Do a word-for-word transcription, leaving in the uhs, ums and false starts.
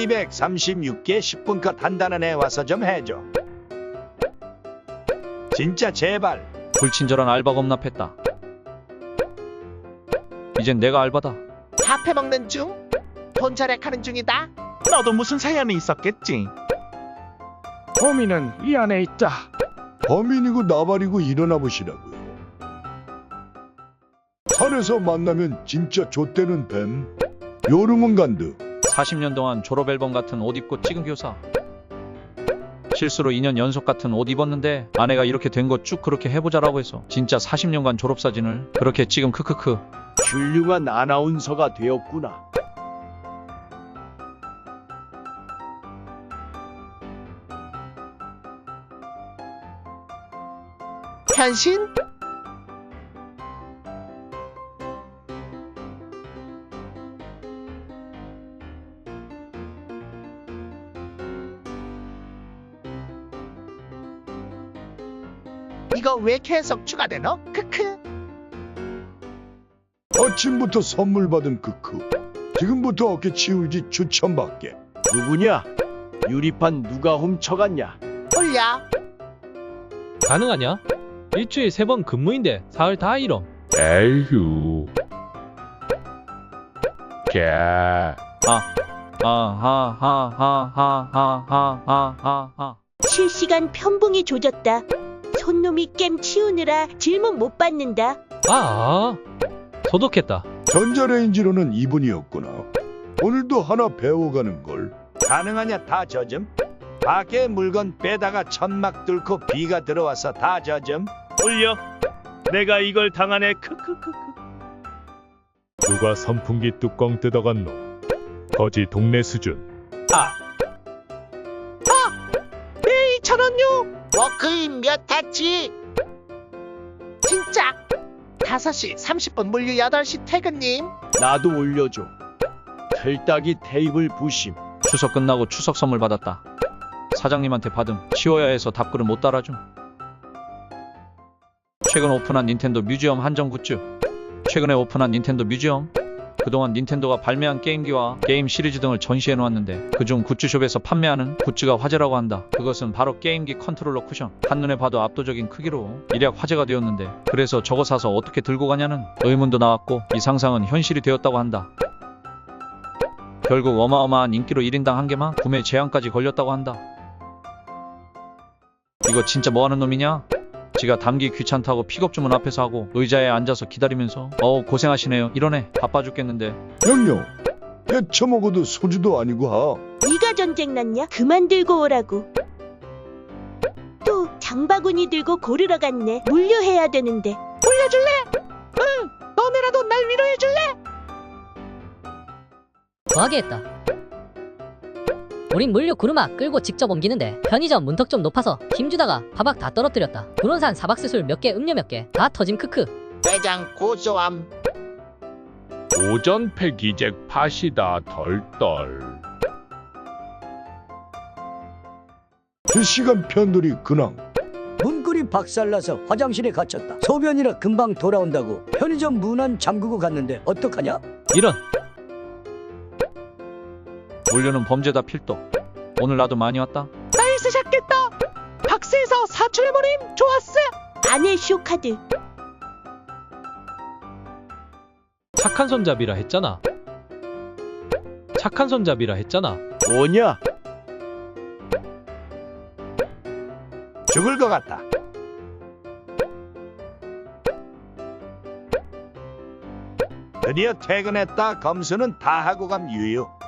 이백삼십육 개 십 분 컷 한다는 애 와서 좀 해줘. 진짜 제발. 불친절한 알바 겁납했다. 이젠 내가 알바다. 다 패먹는 중? 돈 절약하는 중이다. 너도 무슨 사연이 있었겠지. 범인은 이 안에 있다. 범인이고 나발이고 일어나 보시라고요. 산에서 만나면 진짜 좆되는 뱀. 요르문간드. 사십 년 동안 졸업 앨범 같은 옷 입고 찍은 교사. 실수로 이 년 연속 같은 옷 입었는데 아내가 이렇게 된 거 쭉 그렇게 해보자라고 해서 진짜 사십 년간 졸업사진을 그렇게 찍음. 크크크. 훌륭한 아나운서가 되었구나. 변신? 이거 왜 계속 추가되노? 크크. 아침부터 선물 받은 크크. 지금부터 어깨 치울지 추천받게. 누구냐? 유리판 누가 훔쳐갔냐? 올려. 가능하냐? 일주일 세 번 근무인데 사흘 다 이럼. 에휴. 개. 아, 아하하하하하하하하. 실시간 편봉이 조졌다. 손놈이 겜 치우느라 질문 못 받는다. 아, 소독했다. 전자레인지로는 이 분이었구나. 오늘도 하나 배워가는 걸. 가능하냐 다 젖음? 밖에 물건 빼다가 천막 뚫고 비가 들어와서 다 젖음? 올려. 내가 이걸 당하네. 크크크크. 누가 선풍기 뚜껑 뜯어갔노? 거지 동네 수준. 네, 이천 원요. 워크인 몇 타치? 진짜. 다섯 시 삼십 분 물류 여덟 시 퇴근님. 나도 올려줘. 틀딱이 테이블 부심. 추석 끝나고 추석 선물 받았다. 사장님한테 받음. 치워야 해서 답글을 못 달아줌. 최근 오픈한 닌텐도 뮤지엄 한정 굿즈. 최근에 오픈한 닌텐도 뮤지엄. 그동안 닌텐도가 발매한 게임기와 게임 시리즈 등을 전시해 놓았는데 그중 굿즈숍에서 판매하는 굿즈가 화제라고 한다. 그것은 바로 게임기 컨트롤러 쿠션. 한눈에 봐도 압도적인 크기로 일약 화제가 되었는데 그래서 저거 사서 어떻게 들고 가냐는 의문도 나왔고 이 상상은 현실이 되었다고 한다. 결국 어마어마한 인기로 일 인당 한 개만 구매 제한까지 걸렸다고 한다. 이거 진짜 뭐하는 놈이냐? 지가 담기 귀찮다고 픽업 주문 앞에서 하고 의자에 앉아서 기다리면서 어우 고생하시네요 이러네. 바빠 죽겠는데. 영영. 배 처먹어도 소주도 아니고 하. 네가 전쟁 났냐? 그만 들고 오라고. 또 장바구니 들고 고르러 갔네. 물류해야 되는데. 올려줄래? 응. 너네라도 날 위로해줄래? 더하게 했다. 우린 물류 구르마 끌고 직접 옮기는데 편의점 문턱 좀 높아서 힘주다가 바박 다 떨어뜨렸다. 구론산 사박스술 몇 개 음료 몇 개 다 터짐. 크크. 대장 고소함. 오전 폐기잭 팥이다 덜덜. 실시간 편돌이 근황. 문고리 박살나서 화장실에 갇혔다. 소변이라 금방 돌아온다고 편의점 문 안 잠그고 갔는데 어떡하냐? 이런. 물류는 범죄다 필도. 오늘 나도 많이 왔다. 날 쓰셨겠다. 박스에서 사출해버림. 좋았어. 아내 쇼카드. 착한 손잡이라 했잖아. 착한 손잡이라 했잖아. 뭐냐? 죽을 것 같다. 드디어 퇴근했다. 검수는 다 하고 감 유유.